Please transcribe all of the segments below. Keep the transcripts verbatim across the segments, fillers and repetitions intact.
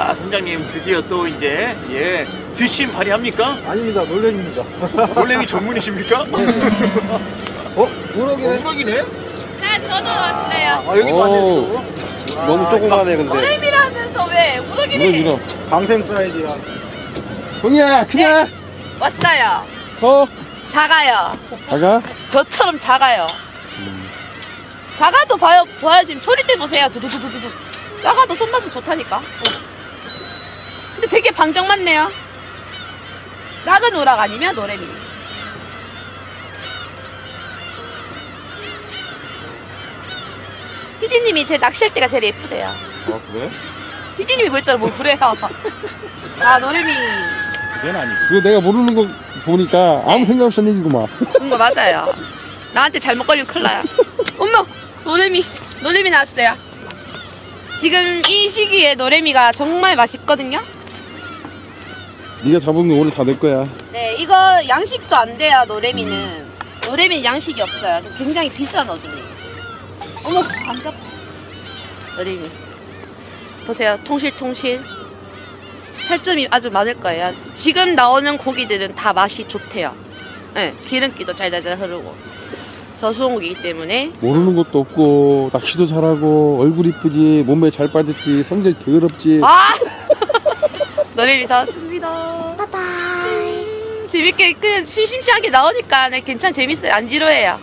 야, 선장님 드디어 또 이제 예 뒷심 발휘합니까? 아닙니다. 놀래입니다. 놀래미 전문이십니까? 어? 우럭이네? 어, 우럭이네? 자, 저도 왔어요. 아, 여기 오. 많네요. 너무 조그마네 근데. 노래미라면서 왜 우럭이네? 밀어. 방생 사이즈야. 송이야 크냐? 왔어요. 커? 작아요. 작아? 저처럼 작아요. 작아도 봐요, 봐요. 지금 소리대 보세요. 두두두두두. 작아도 손맛은 좋다니까. 어. 근데 되게 방정 맞네요. 작은 우락 아니면 노래미. 피디님이 제 낚시할 때가 제일 예쁘대요. 아 그래? 피디님이 그랬잖아. 뭘 그래요. 아, 노래미. 그건 아니고. 그거 내가 모르는 거 보니까 아무 생각 없이 한 얘기구만. 그런 거 맞아요. 나한테 잘못 걸리면 큰일 나요. 어머! 노래미, 노래미 나왔어요. 지금 이 시기에 노래미가 정말 맛있거든요? 네가 잡은 거 오늘 다 내 거야. 네, 이거 양식도 안 돼요, 노래미는. 노래미는 양식이 없어요. 굉장히 비싼 어종이에요. 어머, 안 잡. 노래미. 보세요, 통실통실. 살점이 아주 많을 거예요. 지금 나오는 고기들은 다 맛이 좋대요. 네, 기름기도 잘잘잘 흐르고. 저수온고기이기 때문에. 모르는 것도 없고 낚시도 잘하고 얼굴 이쁘지 몸매 잘 빠졌지 성질 더럽지. 아! 노래미 잡았습니다. 바이바이. 재밌게, 그냥 심심치않게 나오니까 네, 괜찮, 재밌어요. 안 지루해요.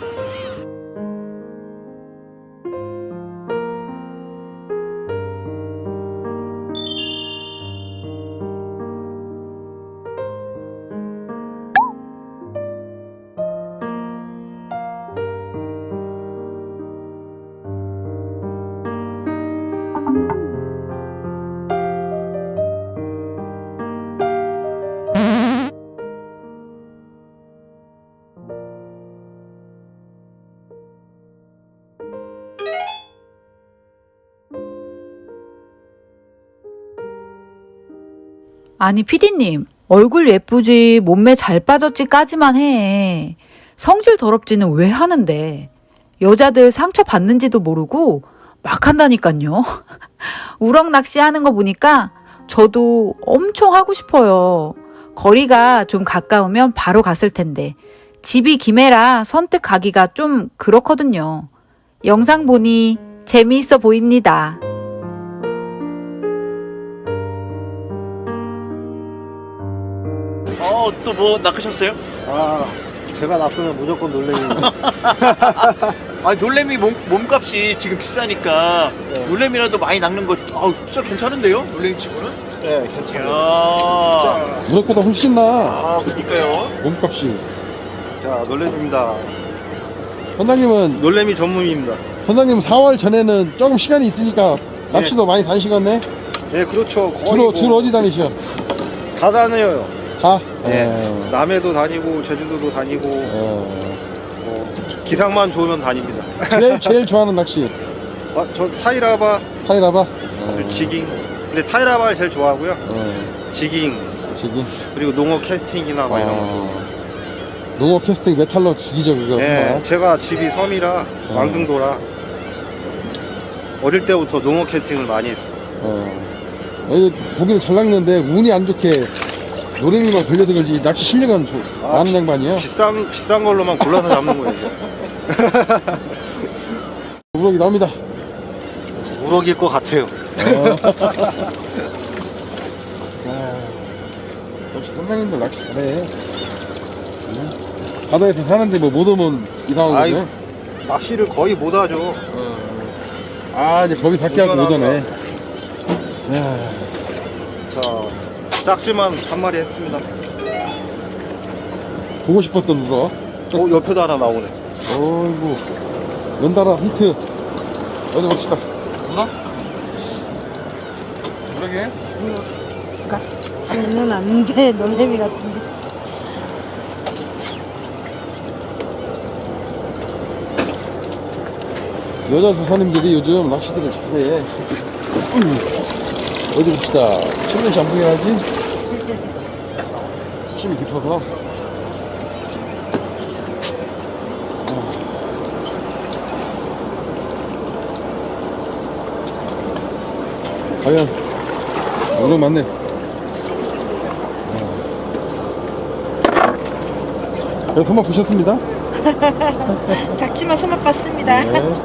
아니 피디님 얼굴 예쁘지 몸매 잘 빠졌지까지만 해. 성질 더럽지는 왜 하는데. 여자들 상처 받는지도 모르고 막 한다니깐요. 우럭 낚시하는 거 보니까 저도 엄청 하고 싶어요. 거리가 좀 가까우면 바로 갔을 텐데 집이 김해라 선뜻 가기가 좀 그렇거든요. 영상 보니 재미있어 보입니다. 어, 또 뭐 낚으셨어요? 아 제가 낚으면 무조건 놀래요. 아, 놀래미 몸, 몸값이 지금 비싸니까 네. 놀래미라도 많이 낚는 거 아, 진짜 괜찮은데요? 놀래미 치고는? 네 괜찮아요. 이야. 무럭보다 훨씬 나. 아, 그러니까요. 몸값이. 자, 놀래미입니다. 선장님은 놀래미 전문입니다. 선장님 사월 전에는 조금 시간이 있으니까 낚시도 많이 다니시겠네. 네, 그렇죠. 거의 주로 뭐 주로 어디 다니셔? 다 다녀요. 다. 네. 어. 남해도 다니고 제주도도 다니고 어. 뭐 기상만 좋으면 다닙니다. 제일 제일 좋아하는 낚시 아, 저 타이라바, 타이라바. 어. 지깅. 근데 타이라바를 제일 좋아하고요. 어. 지깅 지금. 그리고 농어 캐스팅이나 뭐 이런 거 좋아해요. 어. 농어 캐스팅 메탈로 죽이죠 그거. 네, 정말. 제가 집이 섬이라 어. 왕등도라 어릴 때부터 농어 캐스팅을 많이 했어요. 어. 어, 고기는 잘 낚는데 운이 안 좋게 노래미만 걸려들지 낚시 실력은 조, 아, 많은 양반이에요. 비싼 비싼 걸로만 골라서 잡는 거예요. 이제. 우럭이 나옵니다. 우럭일 것 같아요. 어. 아, 역시 선장님들 낚시 잘해. 응? 바다에서 사는데 뭐 못 오면 이상한 아이, 거죠? 낚시를 거의 못 하죠. 어. 아 이제 거기 밖에 하고 오전에. 야. 자, 짝지만 한 마리 했습니다. 보고 싶었던 우럭. 어, 옆에도 하나 나오네. 어이구 연달아 히트. 어디 봅시다. 우럭? 우럭이에요? 같지는 않은데 놀래미 같은데. 여자 조사님들이 요즘 낚시들을 잘해. 음. 어디 봅시다. 손님이 안 보긴 하지? 수심이 깊어서. 과연 우럭 맞네. 네, 손맛 보셨습니다? 작지만 손맛 봤습니다. 네.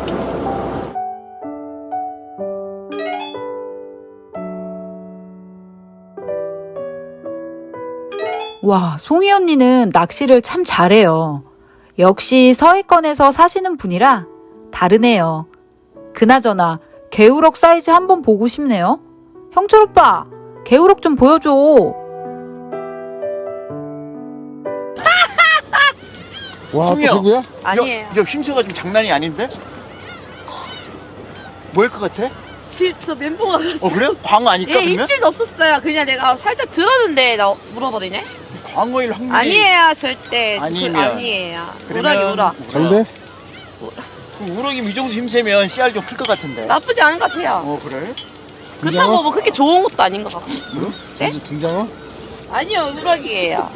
와, 송이 언니는 낚시를 참 잘해요. 역시 서해권에서 사시는 분이라 다르네요. 그나저나 개우럭 사이즈 한번 보고 싶네요. 형철 오빠, 개우럭 좀 보여줘. 와, 또 송이야. 누구야? 아니에요. 이거 힘새가 좀 장난이 아닌데? 뭐일 것 같아? 실, 저 멘붕 와가지고. 어 그래? 광어 아닐까 예, 그러면? 입질도 없었어요. 그냥 내가 살짝 들었는데 나 물어버리네. 광어일 확률이 아니에요, 절대. 아니면. 그, 아니에요. 그러면 우락이 우락. 장대? 그럼 우럭이면 이 정도 힘세면 씨알 좀 클 것 같은데. 나쁘지 않은 것 같아요. 어 그래? 그렇다고 뭐 그렇게 좋은 것도 아닌 것 같고. 네? 등장어? 아니요, 우락이에요.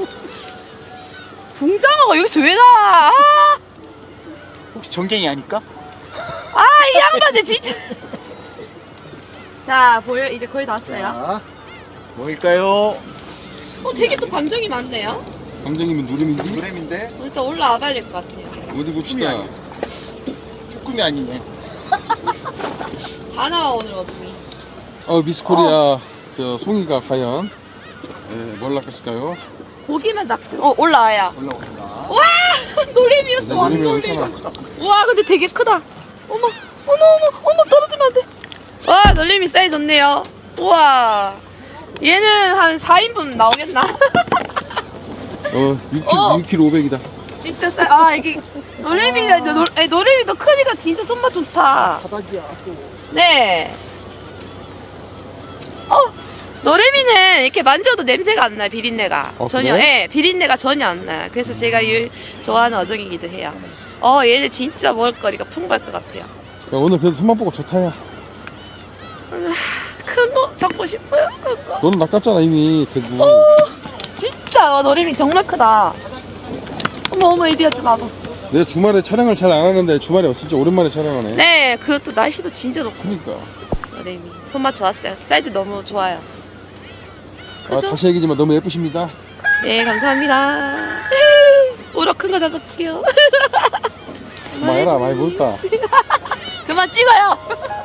붕장어가 여기서 왜 나와? 아, 혹시 정갱이 아닐까? 아, 이 양반들 진짜. 자, 보여. 이제 거의 다 왔어요. 자, 뭐일까요? 어, 되게 또 감정이 많네요. 감정이면 노림인지? 노래인데 일단 올라와 봐야 될 것 같아요. 어디 봅시다. 쭈꾸미 아니네. 다 나와, 오늘 어둠이. 어, 미스코리아 저 송이가 과연 예, 뭘 낚았을까요? 고기만 딱, 어, 올라와요. 올라온다. 와! 노래미였어, 노림이 왕노래. 엄청나. 와, 근데 되게 크다. 어머, 어머, 어머, 어머, 떨어지면 안 돼. 와, 놀림이 사이즈 좋네요. 우와. 얘는 한 사 인분 나오겠나? 어, 육 킬로그램, 어. 육 킬로그램 오백이다. 진짜 싸, 아, 이게, 놀림이가, 노, 아니, 놀림이도 크니까 진짜 손맛 좋다. 바닥이야 또. 네. 어, 노래미는 이렇게 만져도 냄새가 안 나요, 비린내가. 어, 전혀, 그래? 예, 비린내가 전혀 안 나요. 그래서 제가 유, 좋아하는 어종이기도 해요. 어, 얘는 진짜 먹을거리가 풍부할 것 같아요. 야, 오늘 그래도 손만 보고 좋다, 야. 큰 거 잡고 싶어요, 큰 거. 너는 낚았잖아, 이미. 그래도. 진짜, 와, 노래미 정말 크다. 어머, 어머, 이리야 좀 와봐. 내가 주말에 촬영을 잘 안 하는데 주말에 진짜 오랜만에 촬영하네. 네, 그것도 날씨도 진짜 좋고. 그니까. 노래미. 손맛 좋았어요. 사이즈 너무 좋아요. 아, 그죠? 다시 얘기지만 너무 예쁘십니다. 네, 감사합니다. 우럭 큰 거 잡을게요. 많이 해라, 많이 볼까. 그만 찍어요.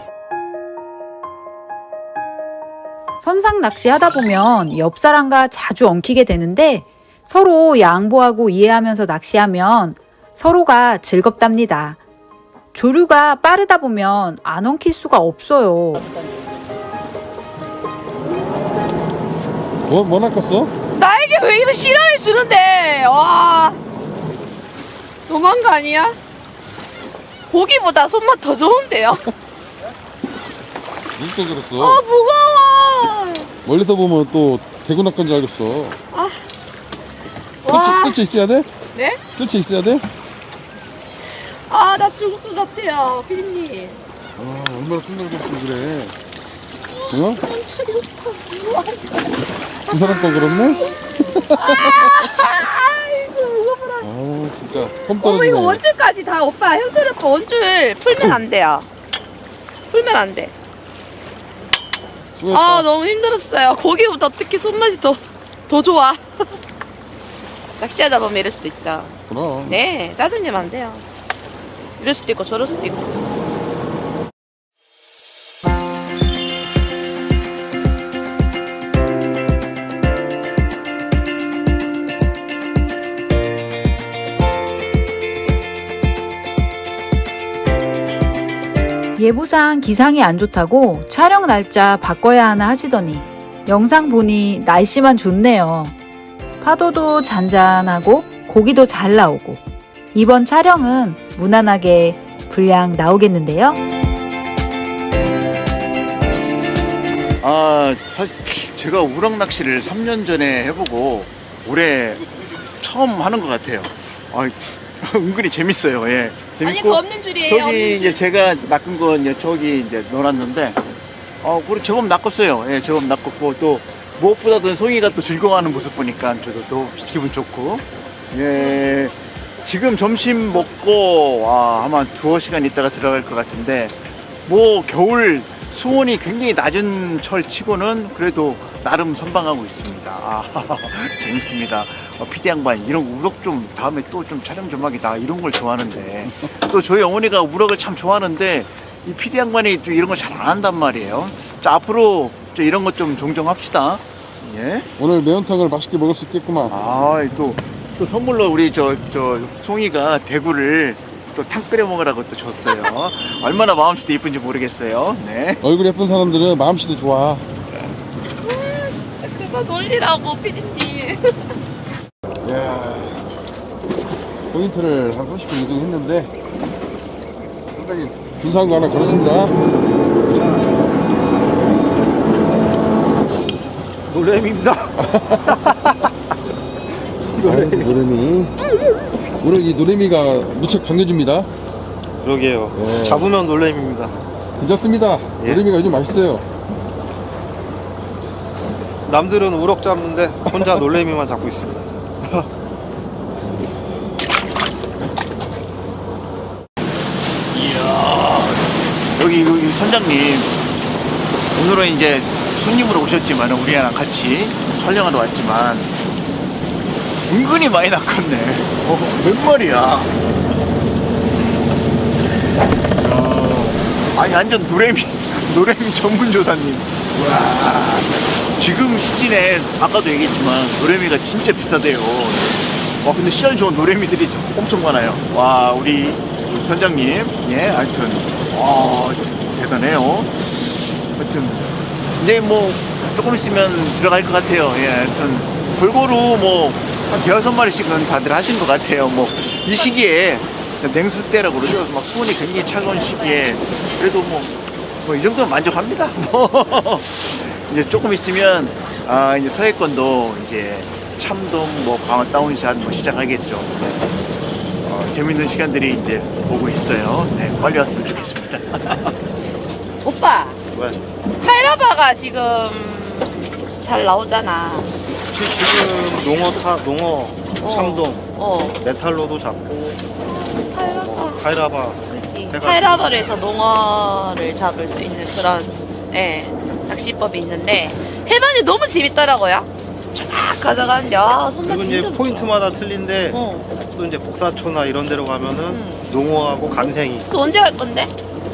선상 낚시 하다 보면 옆 사람과 자주 엉키게 되는데 서로 양보하고 이해하면서 낚시하면 서로가 즐겁답니다. 조류가 빠르다 보면 안 엉킬 수가 없어요. 뭐, 뭐 낚았어? 나에게 왜 이런 실화를 주는데? 와, 너무한 거 아니야? 고기보다 손맛 더 좋은데요? 누가 그랬어? 아, 무거워. 멀리서 보면 또 대구 낚은 줄 알겠어. 와, 뜰채, 뜰채 있어야 돼? 네? 뜰채 있어야 돼? 아, 나 죽을 것 같아요, 피디님. 아, 얼마나 손들었으면 그래. 어? 두 사람 거 그렇네? 아이고, 무거워라. 아, 진짜. 폼 어머, 떨어지네. 이거 원줄까지 다 오빠, 형철 오빠 원줄 풀면 안 돼요. 풀면 안 돼. 수고했다. 아, 너무 힘들었어요. 고기보다 어떻게 손맛이 더, 더 좋아. 낚시하다 보면 이럴 수도 있죠. 그럼. 네, 짜증내면 안 돼요. 이럴 수도 있고 저럴 수도 있고. 예보상 기상이 안 좋다고 촬영 날짜 바꿔야 하나 하시더니 영상 보니 날씨만 좋네요. 파도도 잔잔하고 고기도 잘 나오고 이번 촬영은 무난하게 분량 나오겠는데요. 아 사실 제가 우럭 낚시를 삼 년 전에 해보고 올해 처음 하는 것 같아요. 아, 은근히 재밌어요. 예, 재밌고. 아니, 그 없는 줄이에요. 저기 없는 이제 줄. 제가 낚은 건 이제 저기 이제 놀았는데, 어, 그리고 제법 낚았어요. 예, 제법 낚았고 또 무엇보다도 송이가 또 즐거워하는 모습 보니까 저도 또 기분 좋고, 예, 지금 점심 먹고 와, 아마 두어 시간 있다가 들어갈 것 같은데, 뭐 겨울 수온이 굉장히 낮은 철 치고는 그래도 나름 선방하고 있습니다. 아, 재밌습니다. 어, 피디 양반 이런 우럭 좀 다음에 또 좀 촬영 좀 하겠다 이런 걸 좋아하는데 또 저희 어머니가 우럭을 참 좋아하는데 이 피디 양반이 또 이런 걸 잘 안 한단 말이에요. 자, 앞으로 좀 이런 것 좀 종종 합시다. 예. 오늘 매운탕을 맛있게 먹을 수 있겠구만. 아, 또, 또 선물로 우리 저, 저, 송이가 대구를 또 탕 끓여 먹으라고 또 줬어요. 얼마나 마음씨도 이쁜지 모르겠어요. 네. 얼굴 예쁜 사람들은 마음씨도 좋아. 그거 놀리라고 피디님. 이야, 포인트를 한 삼십 분 이동했는데 상당히 중요한 거 하나 걸었습니다. 놀래미입니다. 노래미. 노래미. 오늘 이 노래미가 무척 반겨줍니다. 그러게요. 예. 잡으면 놀래미입니다. 괜찮습니다. 예. 노래미가 요즘 맛있어요. 남들은 우럭 잡는데 혼자 놀래미만 잡고 있습니다. 이야. 여기, 여기 선장님. 오늘은 이제 손님으로 오셨지만 우리랑 같이 촬영하러 왔지만 은근히 많이 낚았네. 어, 몇 마리야? 이야. 아니 완전 노래미 노래미 전문 조사님. 와, 지금 시즌에 아까도 얘기했지만 노래미가 진짜 비싸대요. 와, 근데 씨알 좋은 노래미들이 엄청 많아요. 와, 우리 선장님, 예, 하여튼 와, 대단해요. 하여튼 이제 뭐 조금 있으면 들어갈 것 같아요. 예, 하여튼 골고루 뭐 한 대여섯 마리씩은 다들 하신 것 같아요. 뭐 이 시기에 냉수 때라고 그러죠. 막 수온이 굉장히 차가운 시기에 그래도 뭐 뭐 이 정도면 만족합니다. 뭐 이제 조금 있으면 아 이제 서해권도 이제 참돔 뭐 광어 다운샷 뭐 시작하겠죠. 네. 어, 재밌는 시간들이 이제 오고 있어요. 네, 빨리 왔으면 좋겠습니다. 오빠, 왜? 타이라바가 지금 잘 나오잖아. 지- 지금 농어 타, 농어, 어. 참돔, 어, 메탈로도 잡고 타이라바. 뭐, 카이라바. 그치. 해가지고. 타이라바를 해서 농어를 잡을 수 있는 그런, 예, 낚시법이 있는데, 해변이 너무 재밌더라고요. 쫙 가져가는데, 아, 손맛 그리고 진짜 이제 좋죠. 포인트마다 틀린데 어. 또 이제 복사초나 이런 데로 가면은 음. 농어하고 감생이. 그래서 언제 갈 건데?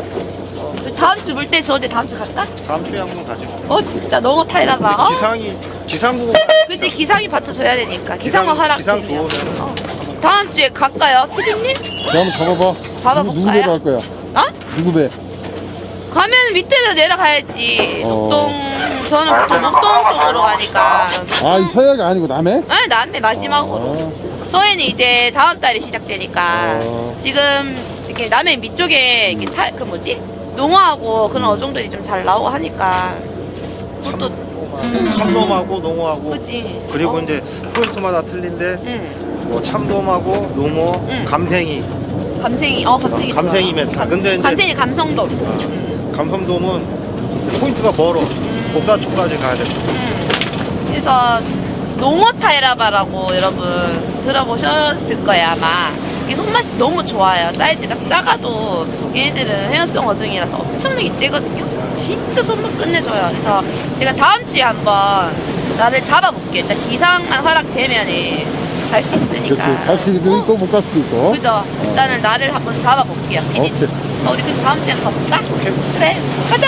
다음 주 볼 때 저한테 다음 주 갈까? 다음 주에 한번 가지 뭐. 어, 진짜 농어 타이라바. 어? 기상이 기상국은 그치, 기상이 받쳐줘야 되니까. 기상어 기상- 기상 허락되면. 좋으면. 어. 다음 주에 갈까요, 피디님? 자, 한번 잡아봐. 잡아볼까요? 누구, 누구 배로 할 거야? 어? 누구 배? 가면 밑으로 내려가야지. 어. 녹동, 저는 보통 녹동 쪽으로 가니까. 아, 이 서해가 아니고 남해? 네, 남해 마지막으로. 아, 서해는 이제 다음 달에 시작되니까. 어. 지금 이렇게 남해 밑쪽에 이렇게 타, 그 뭐지? 농어하고 그런 어종들이 좀 잘 나오고 하니까. 또, 참돔하고 농어하고 그지. 그리고 어? 이제 포인트마다 틀린데 응. 뭐 참돔하고 농어, 응. 감생이, 감생이, 어, 감생이. 어, 감생이 좋아. 메타. 근데 이제 감생이 감성돔. 응. 감성돔은 포인트가 멀어. 음. 복사초까지 가야 돼. 음. 그래서 농어 타이라바라고 여러분 들어보셨을 거예요 아마. 이 손맛이 너무 좋아요. 사이즈가 작아도 얘네들은 해연성 어종이라서 엄청나게 째거든요. 진짜 손맛 끝내줘요. 그래서 제가 다음 주에 한번 나를 잡아볼게요. 일단 기상만 허락되면은 갈 수 있으니까. 그렇지. 갈 수도 있고 못 갈 수도 있고. 그죠? 일단은 나를 한번 잡아볼게요. 오케이. 어, 우리 그럼 다음 주에 가볼까? 그래, 가자!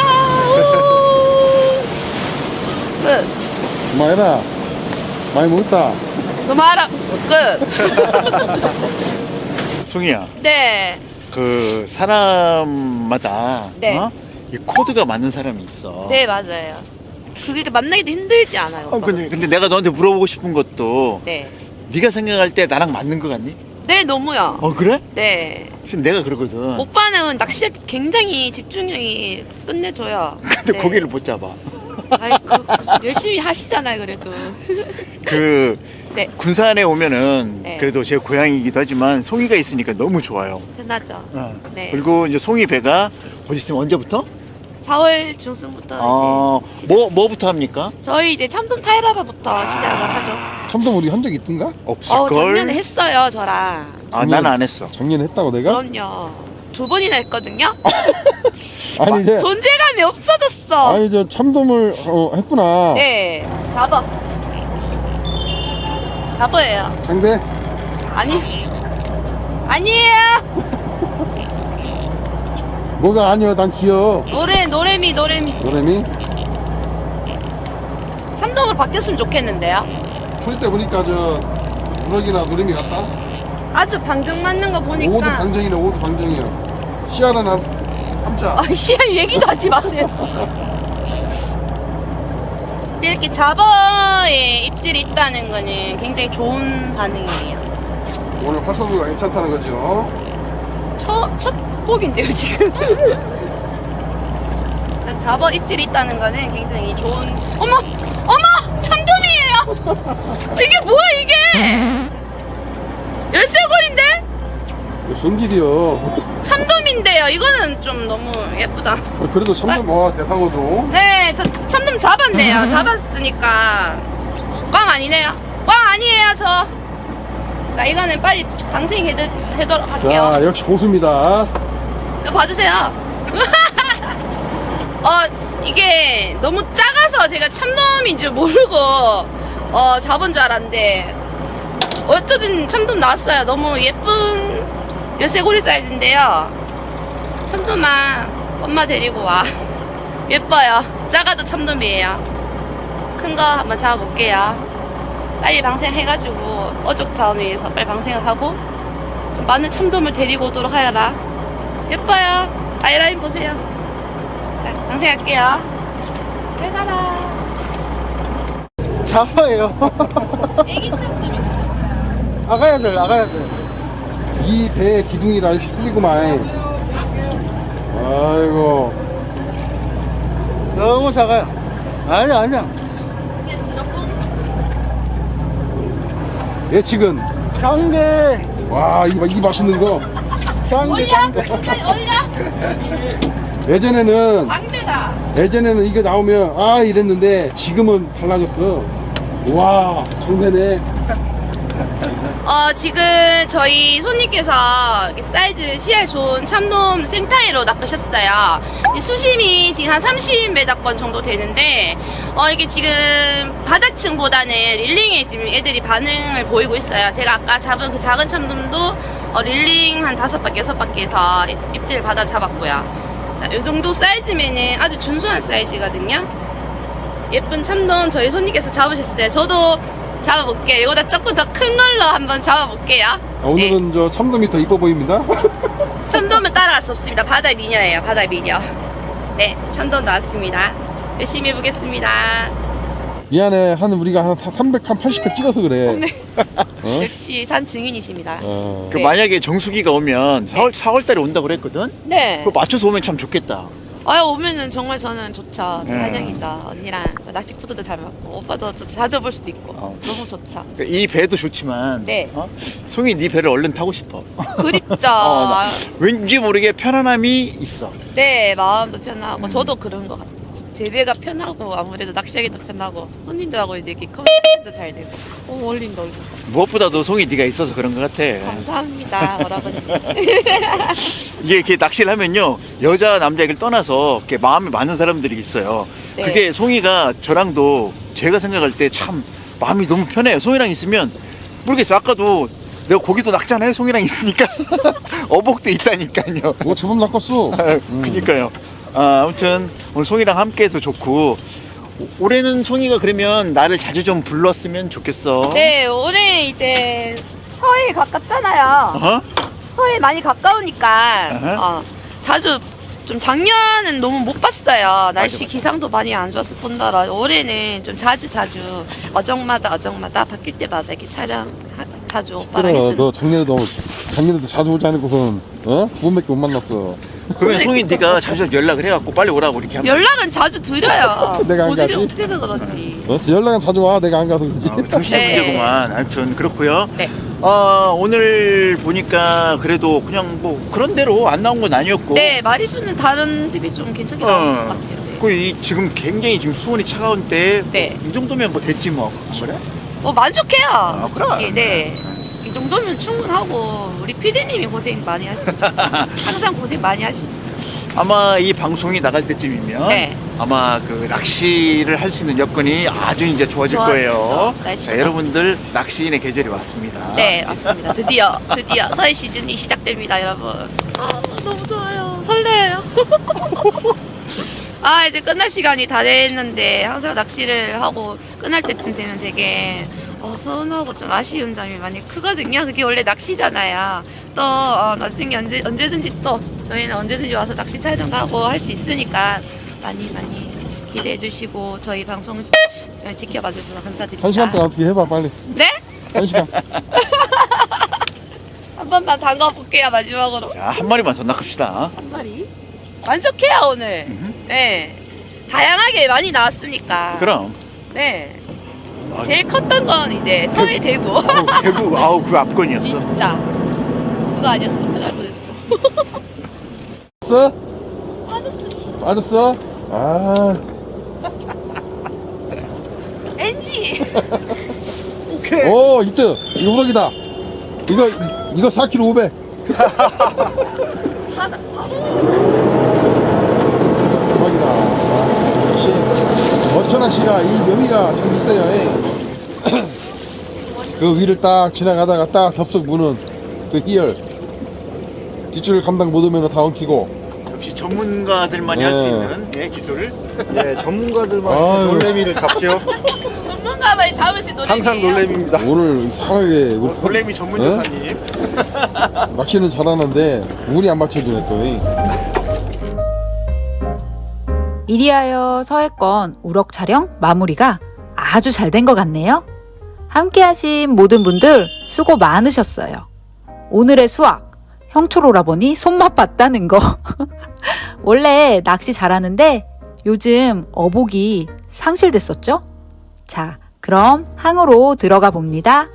우! 끝. 그만해라. 많이 먹었다. 그만하라. 끝. 송이야, 네. 그 사람마다 네. 어? 이 코드가 맞는 사람이 있어. 네, 맞아요. 그게 만나기도 힘들지 않아요. 어, 오빠? 근데, 근데 내가 너한테 물어보고 싶은 것도 네. 네가 생각할 때 나랑 맞는 거 같니? 네, 너무요. 어 그래? 네. 지금 내가 그러거든. 오빠는 낚시에 굉장히 집중력이 끝내줘요. 근데 네. 고기를 못 잡아. 아이, 그, 열심히 하시잖아요, 그래도. 그 네. 군산에 오면은 네. 그래도 제 고향이기도 하지만 송이가 있으니까 너무 좋아요. 편하죠. 어. 네. 그리고 이제 송이 배가 곧 있으면 언제부터? 사월 중순부터 어, 이제 시작. 뭐 뭐부터 합니까? 저희 이제 참돔 타이라바부터 시작을 하죠. 참돔 우리 한 적 있던가? 없을 어, 걸. 작년에 했어요, 저랑. 아, 난 안 했어. 작년에 했다고 내가? 그럼요. 두 번이나 했거든요. 아니 이제 존재감이 없어졌어. 아니 저 참돔을 어, 했구나. 네, 잡아. 잡아요. 장대. 아니, 아니에요. 뭐가 아니야? 난 귀여워. 노래, 노래미, 노래미. 노래미. 삼동으로 바뀌었으면 좋겠는데요. 풀 때 보니까 저 누럭이나 노래미 같다. 아주 방정 맞는 거 오도 보니까. 방정이네. 오도 방정이야. 씨알은 한 삼 자. 아, 씨알 얘기도 하지 마세요. 근데 이렇게 잡어에 입질이 있다는 거는 굉장히 좋은 반응이에요. 오늘 활성도가 괜찮다는 거죠. 첫, 첫 곡인데요, 지금. 일단 잡어 입질이 있다는 거는 굉장히 좋은. 어머! 어머! 참돔이에요! 이게 뭐야, 이게! 열쇠고리인데? 성질이요. 참돔인데요. 이거는 좀 너무 예쁘다. 그래도 참돔 와 대상어죠. 네, 저 참돔 잡았네요. 잡았으니까. 꽝 아니네요. 꽝 아니에요, 저. 자, 이거는 빨리 방생해도록 할게요. 자 역시 고수입니다. 이거 봐주세요. 어, 이게 너무 작아서 제가 참돔인 줄 모르고, 어, 잡은 줄 알았는데, 어쨌든 참돔 나왔어요. 너무 예쁜 열쇠고리 사이즈인데요. 참돔아, 엄마 데리고 와. 예뻐요. 작아도 참돔이에요. 큰 거 한번 잡아볼게요. 빨리 방생해가지고, 어족 자원 위해서 빨리 방생을 하고, 좀 많은 참돔을 데리고 오도록 하여라. 예뻐요. 아이라인 보세요. 자, 방생할게요. 잘 가라. 잡아요. 애기 참돔이 있었어요. 나가야 돼, 나가야 돼. 이 배의 기둥이라 이렇게 틀리구만. 아이고. 너무 작아요. 아니야, 아니야. 그냥 들어뽕. 예측은 장대, 와, 이, 이 맛있는 거. 장대, 올려? 장대. 굉장히 올려? 예전에는 장대다. 예전에는 이게 나오면 아 이랬는데 지금은 달라졌어. 와, 정대네. 어, 지금 저희 손님께서 이렇게 사이즈 씨알 좋은 참돔 생타이로 낚으셨어요. 이 수심이 지금 한 삼십 미터권 정도 되는데, 어, 이게 지금 바닥층보다는 릴링에 지금 애들이 반응을 보이고 있어요. 제가 아까 잡은 그 작은 참돔도 어, 릴링 한 다섯 바퀴, 여섯 바퀴에서 입질을 받아 잡았고요. 자, 이 정도 사이즈면은 아주 준수한 사이즈거든요. 예쁜 참돔 저희 손님께서 잡으셨어요. 저도 잡아볼게요. 이거보다 조금 더 큰 걸로 한번 잡아볼게요. 아, 오늘은 저 참돔이 더 이뻐 보입니다. 네. 참돔은 따라갈 수 없습니다. 바다 미녀예요. 바다 미녀. 네, 참돔 나왔습니다. 열심히 해보겠습니다. 미안해, 한 우리가 한 삼백, 한 팔십 회 찍어서 그래. 어? 역시 산 증인이십니다. 어. 그 네. 만약에 정수기가 오면 사월, 사월달에 온다고 그랬거든? 네. 그거 맞춰서 오면 참 좋겠다. 아, 오면은 정말 저는 좋죠. 네. 환영이죠. 언니랑 낚시코드도 잘 맞고 오빠도 저 자주 볼 수도 있고 어. 너무 좋죠. 그러니까 이 배도 좋지만, 네. 어? 송이 네 배를 얼른 타고 싶어. 그립죠. 어, 나 왠지 모르게 편안함이 있어. 네, 마음도 편하고 저도 그런 것 같아요. 제 배가 편하고 아무래도 낚시하기도 편하고 손님들하고 이제 이렇게 커뮤니케이션도 잘 되고 오, 어울린다 어울린다. 무엇보다도 송이 네가 있어서 그런 것 같아. 감사합니다, 여러분. 이게 이렇게 낚시를 하면요, 여자 남자 얘기를 떠나서 이렇게 마음이 맞는 사람들이 있어요. 네. 그게 송이가 저랑도 제가 생각할 때 참 마음이 너무 편해요. 송이랑 있으면 모르겠어요. 아까도 내가 고기도 낚잖아요. 송이랑 있으니까 어복도 있다니까요. 뭐 제법 낚았어. 음. 그니까요. 아, 아무튼 오늘 송이랑 함께해서 좋고, 오- 올해는 송이가 그러면 나를 자주 좀 불렀으면 좋겠어. 네, 올해 이제 서해에 가깝잖아요. 어? 서해 많이 가까우니까 어허. 어, 자주 좀 작년은 너무 못 봤어요. 날씨 맞아. 기상도 많이 안 좋았을 뿐더러 올해는 좀 자주 자주 어정마다 어정마다 바뀔 때마다 이렇게 촬영 하- 자주 오빠랑 그래, 했으면. 너 작년에도 작년에도 자주 오지 않고선 어? 두 번밖에 못 만났어. 그러면 송이 네가 자주 연락을 해갖고 빨리 오라고 이렇게 하면. 연락은 자주 드려요. 내가 안 보지를 가지? 못해서 그렇지. 어? 연락은 자주 와. 내가 안 가서 그렇지. 아, 당신의 네. 문제구만. 아무튼 그렇고요. 네. 어, 오늘 보니까 그래도 그냥 뭐 그런 대로 안 나온 건 아니었고. 네, 마리수는 다른 데 비해 좀 괜찮게 나온 것 같아요. 네. 그 이, 지금 굉장히 지금 수온이 차가운 때. 네. 이 정도면 뭐 됐지 뭐. 그래? 뭐 만족해요. 아, 그래? 솔직히. 네. 이 정도면 충분하고 우리 피디님이 고생 많이 하시죠. 항상 고생 많이 하시죠. 아마 이 방송이 나갈 때쯤이면 네. 아마 그 낚시를 할 수 있는 여건이 아주 이제 좋아질 좋아지죠. 거예요. 날씨가. 자, 여러분들 낚시인의 계절이 왔습니다. 네, 맞습니다. 드디어, 드디어 서해 시즌이 시작됩니다, 여러분. 아, 너무 좋아요. 설레요. 아, 이제 끝날 시간이 다 됐는데, 항상 낚시를 하고 끝날 때쯤 되면 되게, 어, 서운하고 좀 아쉬운 점이 많이 크거든요. 그게 원래 낚시잖아요. 또, 어, 나중에 언제, 언제든지 또, 저희는 언제든지 와서 낚시 촬영하고 할 수 있으니까, 많이 많이 기대해 주시고, 저희 방송 지켜봐 주셔서 감사드립니다. 한 시간 동안 어떻게 해봐 빨리. 네? 한 시간. 한 번만 담가 볼게요, 마지막으로. 자, 한 마리만 더 낚읍시다. 한 마리? 만족해요, 오늘. 음. 네. 다양하게 많이 나왔으니까. 그럼. 네. 아, 제일 컸던 건 이제 서해 대구. 아우, 대구, 아우, 그 앞건이었어. 진짜. 그거 아니었어. 큰일 날 뻔했어. 빠졌어? 빠졌어, 씨. 빠졌어? 아. 엔지. 오케이. 오, 이트. 이거 우럭이다. 이거, 이거 사 킬로그램 오백. 하나, 바로. 대박이다. 아, 역시 어천낚시가 이 묘미가 참 있어요. 예. 그 위를 딱 지나가다가 딱 덥석 무는 그 희열. 뒷줄 감당 못하면 다 엉키고. 역시 전문가들만이 할 수 네. 있는 예, 기술. 예, 전문가들만 아유. 놀래미를 잡죠. 전문가만이 잡으신 노래이에요. 항상 놀래미입니다. 오늘 이상하게 우리 어, 놀래미 전문 네? 요사님. 낚시는 잘하는데 운이 안 맞춰주네 또. 이. 이리하여 서해권 우럭 촬영 마무리가 아주 잘 된 것 같네요. 함께 하신 모든 분들 수고 많으셨어요. 오늘의 수학, 형철 오라버니 손맛 봤다는 거. 원래 낚시 잘하는데 요즘 어복이 상실됐었죠? 자, 그럼 항으로 들어가 봅니다.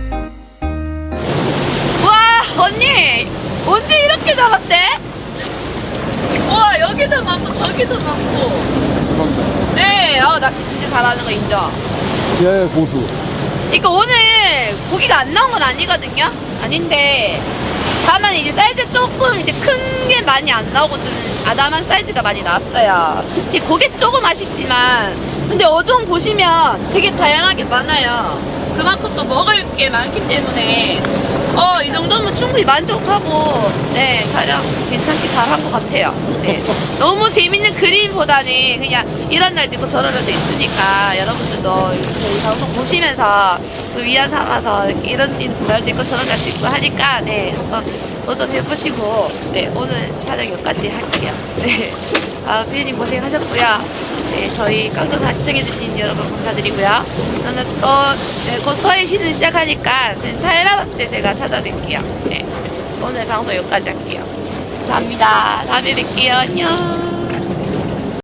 와, 언니! 언제 이렇게 잡았대? 와, 여기도 많고, 저기도 많고. 네, 아, 낚시 진짜 잘하는 거 인정. 예, 고수. 그러니까 오늘 고기가 안 나온 건 아니거든요? 아닌데, 다만 이제 사이즈 조금 이제 큰 게 많이 안 나오고 좀 아담한 사이즈가 많이 나왔어요. 이게 고개 조금 아쉽지만, 근데 어종 보시면 되게 다양하게 많아요. 그만큼 또 먹을 게 많기 때문에, 어, 이 정도면 충분히 만족하고, 네, 촬영 괜찮게 잘한 것 같아요. 네. 너무 재밌는 그림보다는 그냥 이런 날도 있고 저런 날도 있으니까 여러분들도 저희 방송 보시면서 또 위안 삼아서 이런 날도 있고 저런 날도 있고 하니까, 네, 한번 도전해보시고, 네, 오늘 촬영 여기까지 할게요. 네. 아, 피디님 고생하셨고요. 네, 저희 깡조사 시청해주신 여러분 감사드리고요. 저는 또, 네, 곧 서해 시즌 시작하니까, 타이라바 때 제가 찾아뵐게요. 네, 오늘 방송 여기까지 할게요. 감사합니다. 다음에 뵐게요. 안녕.